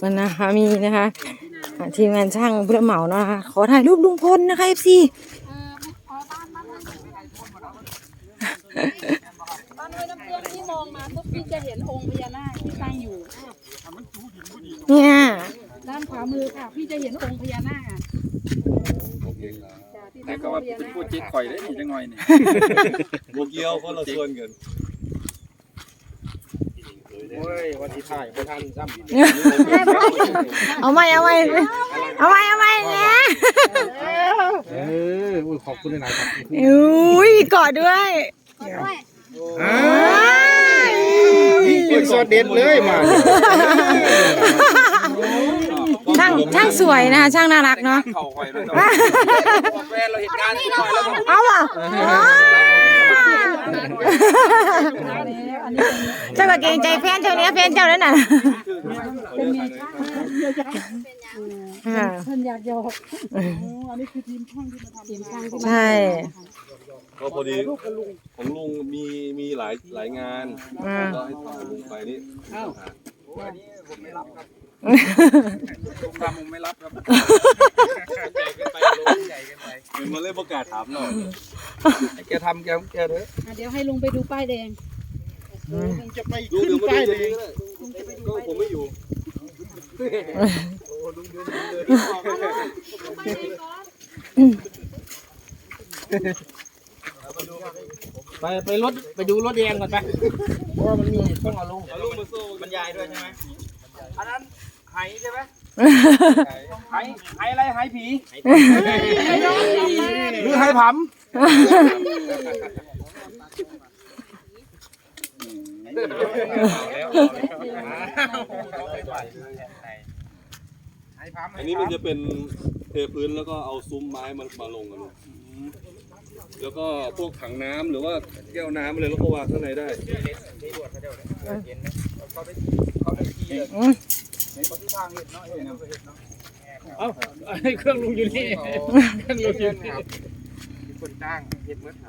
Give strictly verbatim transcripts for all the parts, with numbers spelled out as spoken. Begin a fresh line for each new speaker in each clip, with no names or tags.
กันนะคะมีนะคะทีมงานช่างผู้รับเหมาเนาะนะคะขอถ่ายรูปลุงพลนะคะเอฟซี
บ้านห้วยน้ำเกลือที่มองมาปุ๊บพี่จะเห็นองค์พญานาคที่ตั้งอยู่
เนี่ย
ด้านขวามือค่ะพี่จะเห็นองค์พญานาค
แต่ก็ว่าเป็นผู้จิตข่อยได้ดีจังหน่อยนี่
โมเกียวคนละส่วนกัน
โอ้ยวันที่ถ่ายไปทันซ้ำ
เอาไหมเอาไหมเอาไหมเอาไหมเนี่ย
เออขอบคุณหลายครับ
อุ้ยกอดด้วย
เป็นซอสเด็ดเลยมา
ช่างช่างสวยนะคะช่างน่ารักเนาะเอาอ่ะเจ้าก็เกรงใจแฟนเจ้าเนี้ยแฟนเจ้าแล้วน่ะ
ท่านอยากยกอันนี้คือทีมช่างที่มาทำทีมช่าง
ใช่
ก็พอดีของลุงมีมีหลายหลายงานก็ให้ทำลุงไปนี่
ผมไม่รับครับผมทำผมไม่รับครับใหญ่เกินไปลุงใหญ่เกินไป
เงินมาเล่นประกาศถามหน่อย
แกทำแกแกเถอะ
เดี๋ยวให้ลุงไปดูป้ายแดง
ลุงจะไปขึ้นป้ายแดง
ก็ผมไม่อยู่
ไปไปรถไปดูรถแดงก่อนไปเพราะว่ามันมีต้องเอาลงเอาลงมาสู้บรรยายด้วยใช่ไหมอันนั้นไหใช่ไหมไหไหอะไรไหผีหรือไหผำ
อันนี้มันจะเป็นเทพื้นแล้วก็เอาซุ้มไม้มันมาลงกันแล้วก็พวกถังน้ำหรือว่าแก้วน้ำอะไรแล้วก็วางข้างในได้
เอ้าเครื่องลุงอยู่นี่เครื่องลุงอยู่นี่คนจ้างเฮ็ดเมื่อครับ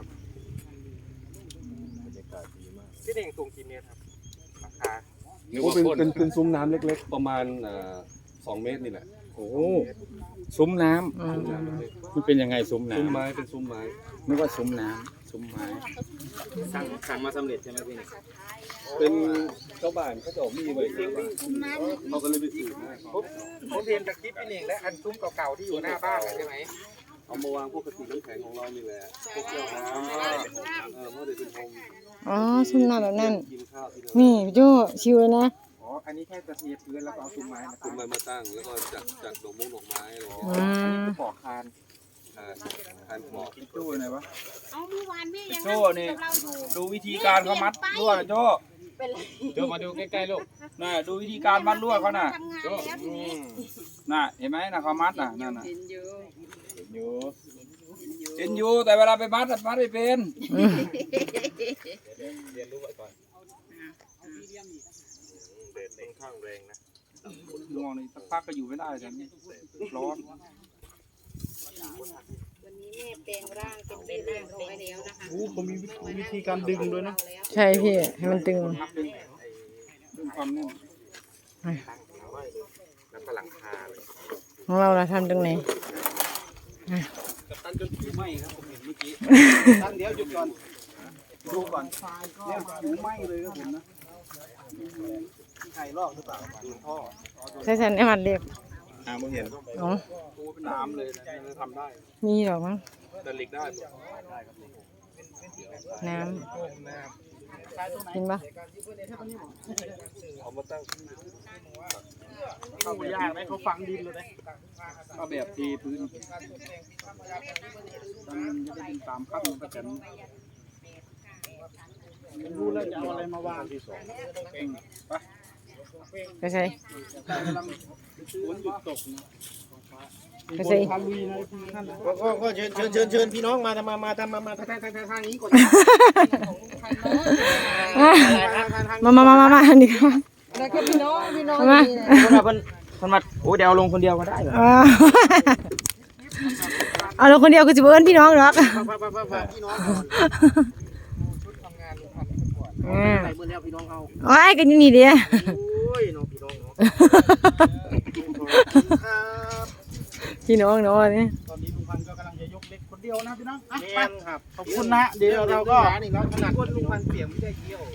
ที่เด้งสูงกี่เมตรครับราคา
เป็นเป็นเป็นซุ้มน้ำเล็กๆประมาณสองเมตรนี่แหละ
โอ้ซุ้มน้ำมันเป็นยังไงซุ้มน้ำ
ซุ้มไม้เป็นซุ้มไม้
นึกว่าซุ้มน้ำซุ้มไม้สั่งสั่งมาสำเร็จใช่ไหมพี่
เป็นเจ้าบ้านเขาจะออกมีไว้เขาก็เลยไปซื้อมา
ผมผมเรียนจากคลิปพี่เองและอันซุ้มเก่าๆที่อยู่หน้าบ้านใช่ไหม
เอามาวางพวกกระติกน้ำแข็งของเรานี่แหละพวกแก้วน้ำเออเพราะเดี๋ยวเป็นโฮม
อ๋อซุ้มน้ำแบบนั้นนี่พี่โจ้ชิวเลยนะ
อ๋ออันนี้แค่จะเทพื้นแล้วก็เอาซุ้มไม้
ซุ้มไม้มาตั้งแล้วก็จัดจัดดอกมุ้งดอกไม้อะไรอย่างเงี้
ยปอกคาน
คานปอก
โจ้ไหนวะ
เอาเมื่อวานพี่ยัง
โจ้นี่ดูวิธีการเขามัดลวดโจ้โจ้มาดูใกล้ๆลูกน่ะดูวิธีการมัดลวดเขาน่ะโจ้น่ะเห็นไหมน่ะเขามัดน่ะนั่นน่ะเห็นอยู่เห็นอยู่เห็นอยู่แต่เวลาไปมัดมัดไม่เป็นเรียนรู้ไว้ก่อนเด็ดเล่นข้างแรงนะลองนี่สักพักก็อยู่ไม่ได้แต่นี่ร้อน
วันนี้แม่แปลงร่างเป็นเป็นร่างร้อยแล้วนะคะ
โอ้ผมมีวิธีการดึงด้วยนะ
ใช่พี่ให้มันตึง
ดึงความแน่นแล้วก็หลังคา
ของเราเราทำตรงไหน
ตั้งจนผิวไหม้ครับผมเห็นเมื่อกี้ตั้งเดี๋ยวหยุดก่อนดูก่อนเนี่ยผิวไหม้เลยครับผมนะใครลอกหรือเปล่าดูท่อ
ใช่ฉันไอ้มันเรียบ
น้ำมึงเห็น
อ๋อ
เป็นน้ำเลยนะทำได้
มีหรอมั้ง
แต่เหล็กได้
น้ำกินปะ
เอามาตั้ง
เข้าไปยากไหมเขาฝังดินเลยเอาแบบทีพื้นมันจะได้เป็นตามขั้นประจันรู้แล้วจะเอาอะไรมาวางที่สองเก่งปะ
ก็ใช่
ฝนหยุดตก
ก็ใช่
ก็ก็เชิญเชิญเชิญเชิญพี่น้องมาทำมามาทำมามาทางทางทางนี้ก่อน
มามามามามาดีครับ
แล้วก็พี่น้องพี่น้อง
มา
คนคนมาโอ้เดี๋ยวลงคนเดียวก็ได้เหรอ
เอาลงคนเดียวก็จะเบิ้ลพี่น้องหรอก
พี่น้องชุดทำงานลงทำก่อนใส่เมื่อแล้วพี่น้องเอา
โอ้ยกันนี่ดีอ่ะ
โอ้ยน้องพี่น้องเนาะ
พี่น้องเนาะนี่
ตอนนี้ลุงพันธุ์ก็กำลังจะยกเล็กคนเดียวนะพี่น้องอ่ะ
แม
ไป
นครับ
ขอบคุณนะเดี๋ยวเราก็
นี่เราถนัดก้นลุงพันเปียกไม่ได้เยี่ยว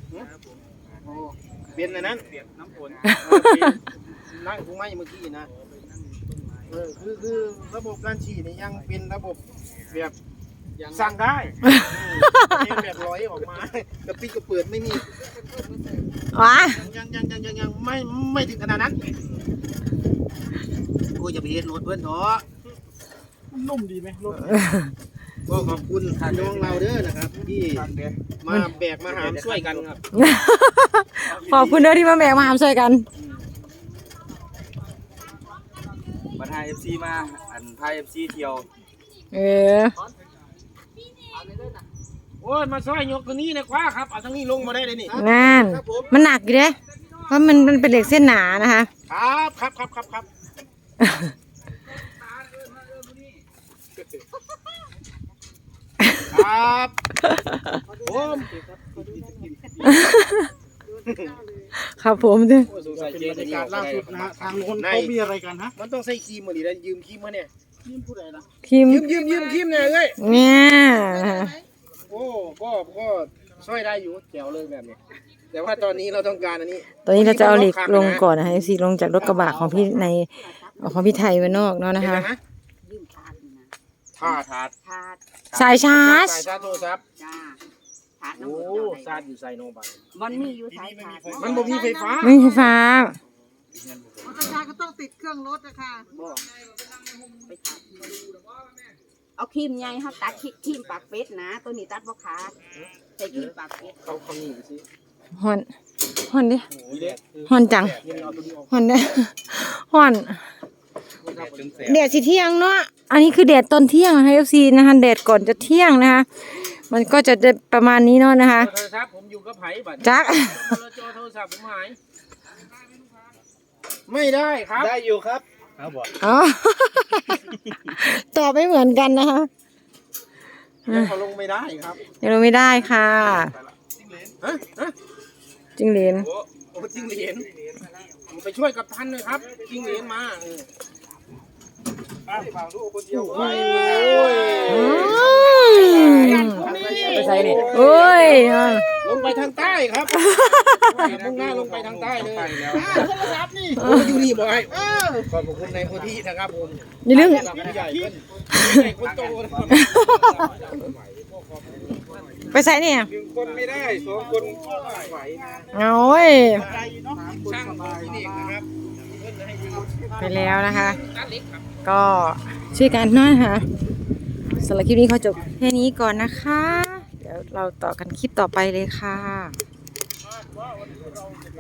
เป็นอันนั้นเปียกน้ำฝนนั่งกูไม่เมื่อกี้นะเออคือคือระบบการฉีดนี่ยังเป็นระบบแบบสั่งได้เป็นแบบร้อยออกมากระปิกระเปิดไม่มี
ว้า
ยังยังยังยังยังไม่ไม่ถึงขนาดนั้นกูจะไปเห็นรถเพื่อนเถอะ
นุ่มดีไหมรถ
ก็ขอบคุณน้องเราเด้อนะครับที่มาแบกมาหามช่วยกันครับ
ขอบคุณเด้อที่มาแบกมาหามช่วยกัน
บันไทยเอฟซีมาอันไทยเอฟซีเที่ยว
เออ
โอ้ยมาช่วยยกตัวนี้นะคว้าครับเอาทั้งนี้ลงมาได้เลยนี่
นั่นมันหนักอยู่เด้เพราะมันมันเป็นเหล็กเส้นหนานะคะ
ครับครับครับครับครับครับผม
ครับผมจ้ะ
สงสัย
เป็น
เจ๊
บรร
จะ
ยากาศล่าสุดนะฮะทางโน้นเขามีอะไรกันฮะ
มันต้องใส่ครีมมาดิแล้วยืมครีมมาเนี่ย
นี่พูดอะไรนะ
ทีม
ยืมยืมยืมครีมเนี่ยเลย
เนี่ยนะคะ
โอ้ก็ก็ช่วยได้อยู่แจ๋วเลยแบบนี้แต่ว่าตอนนี้เราต้องการอันนี้
ตอนนี้เราจะเอาเหล็กลงก่อนนะคะซีลงจากรถกระบะของพี่ในของพี่ไทยไว้นอกเนาะนะคะ
ถาดถาด
ถาด
สายชาร์จ
สายชาร์จโทรศัพท์
จ้าถาดน้ำ
โอ้
มัน
ชาร์จอยู่ใส่โนบัน
มันมีอยู่สายถาด
มันบ่มีไฟฟ้า
ไม่ใช่ฟ้า
ประชาก็ต้องติดเครื่องรถนะคะ
ไปถาดเอาครีมใหญ่ครับตัดครีมปากเป็ดนะ ตัวนี้ตัดบ่ขาดใส่ครีมปากเป็ด
เขาเขานี่ไปสิ
ฮอนฮอนดิ
นี่เด็ก
ฮอนจัง
ยังเอาตัวนี้ออก
ฮอนเด้ฮอนแดดสิเที่ยงเนาะอันนี้คือแดดตอนเที่ยงนะคะ เอฟ ซี นะคะแดดก่อนจะเที่ยงนะคะ มันก็จะได้ประมาณนี้เนาะนะคะ
โทรศัพท์ผมอยู่กับไผ่บัด
จัก
โทรศัพท์ผมหายไม่ได้ครับได้อยู่ครับครับบอก
อ๋อ ตอบไม่เหมือนกันนะคะ
เขาลงไม่ได้ครับ
ยังลงไม่ได้ค่ะ
ฮะฮะ
จิงเหลน
โอ้โอ้จิ้งเหรียญผมไปช่วยกับท่านเลยครับจิ้งเหรียญมาเออโอ้ย
อืม
ไปใส่นี่
โอ้ย
ลงไปทางใต้ครับมุ่งหน้าลงไปทางใต้เลย
ไปแล้ว
โทรศัพท์นี่โอ้อยู่นี่บ่อยขอบคุณในโคที่นะครับผม
อย่าลืม
ผู้ใหญ่เพิ่นใหญ่คนโตนะครับ
ไปใส่เนี่ย
หนึ่งคนไม่ได้สองคนไหวนะ
เอาเว้ย
ช่างของที่นี่นะครับเพิ่นให้ยืม
ไปแล้วนะคะ ก็ช่วยกันเนาะนะคะสำหรับคลิปนี้ขอจบแค่นี้ก่อนนะคะ เดี๋ยวเราต่อกันคลิปต่อไปเลยค่ะ